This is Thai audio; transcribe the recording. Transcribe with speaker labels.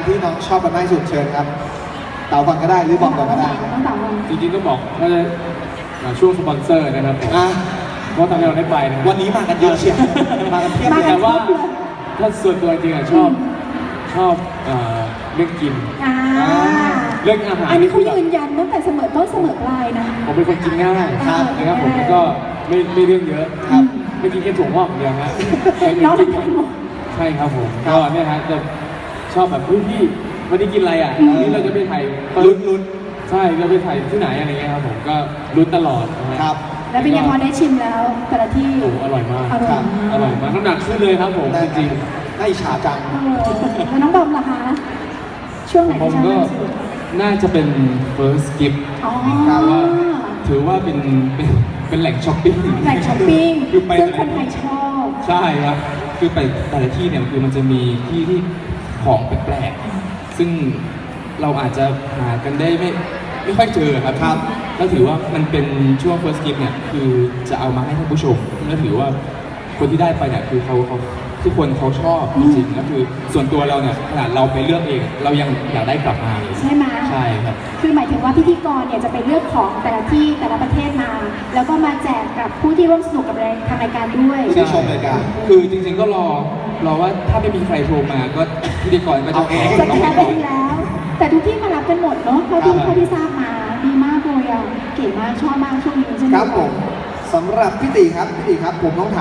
Speaker 1: ที่น้องชอบกันมากที่สุดเชิญครับเต๋าก่อนก็ได้หรือบอมก่อนก็ได้
Speaker 2: ต้องเต๋าก่อน
Speaker 3: จริงๆต้องบอกว่าช่วงสปอนเซอร์นะครับผมเพราะทำให้เราได้ไปนะ
Speaker 1: วันนี้มากันเยอะเชียวมากันเพียบเลย
Speaker 3: แต่ว่าถ้าส่วนตัวจริงๆชอบเรื่องกินเรื่องอาหาร
Speaker 2: อันนี้เขายืนยันตั้งแต่เสมอต้นเสมอปลายนะ
Speaker 3: ผมเป็นคนกินง่ายนะครับผมแล้วก็ไม่เรื่องเยอะครับไม่กินแค่ถั่วงอกอย่างเดียวฮะ
Speaker 2: น้องทำหมด
Speaker 3: ใช่ครับผมก็เนี่ยฮะจะชอบแบบพี่วันนี้กินอะไรอ่ะวันนี้เราจะไปถ่ายลุ้นใช่เราไปถ่ายที่ไหนอะไรเงี้ยครับผมก็ลุ้นตลอดนะครับ
Speaker 2: แล้วเป็นยังพอได้ชิมแล้วแต่ละที่
Speaker 3: โอ้อร่อยมาก
Speaker 2: อร่อยมาก
Speaker 3: น้ำหนักขึ้นเลยครับผมจริง
Speaker 1: น่าอิจฉาจัง
Speaker 2: แล้วน้องบอมล่ะคะช่วงไหน
Speaker 3: ผมก็น่าจะเป็น first gift ว่าถือว่าเป็นแหล่งช้อปปิ้ง
Speaker 2: คือไปซึ่งคนไทยชอบ
Speaker 3: ใช่ครับคือไปแต่ละที่เนี่ยคือมันจะมีที่ของแปลกๆซึ่งเราอาจจะหากันได้ไม่ค่อยเจอครับแล้วถือว่ามันเป็นช่วง first gift เนี่ยคือจะเอามาให้ท่านผู้ชมแล้วถือว่าคนที่ได้ไปเนี่ยคือเขาทุกคนเขาชอบจริงๆแล้วคือส่วนตัวเราเนี่ยขนาดเราไปเลือกเองเรายังอยากได้กลับมาเลย
Speaker 2: ใช่ไหม
Speaker 3: ใช่ครับ
Speaker 2: คือหมายถึงว่าพิธีกรเนี่ยจะไปเลือกของแต่ละที่แต่ละประเทศมาแล้วก็มาแจกกับผู้ที่ร่วมสนุกกับทางรายการด้วย
Speaker 1: ที่ชมรายการ
Speaker 3: คือจริงๆก็รอว่าถ้าไม่มีใครโทรมาก็พิธีกรก็จะ
Speaker 2: จะแค่ไปแล้ว แต่ทุกที่มารับกันหมดเนาะเท่าที่ทราบมาดีมากเลยอ่ะเก๋มากชอบมากช่วงนี้ใช่ไหม
Speaker 1: ครับผมสำหรับพี่ตีครับผมต้องถาม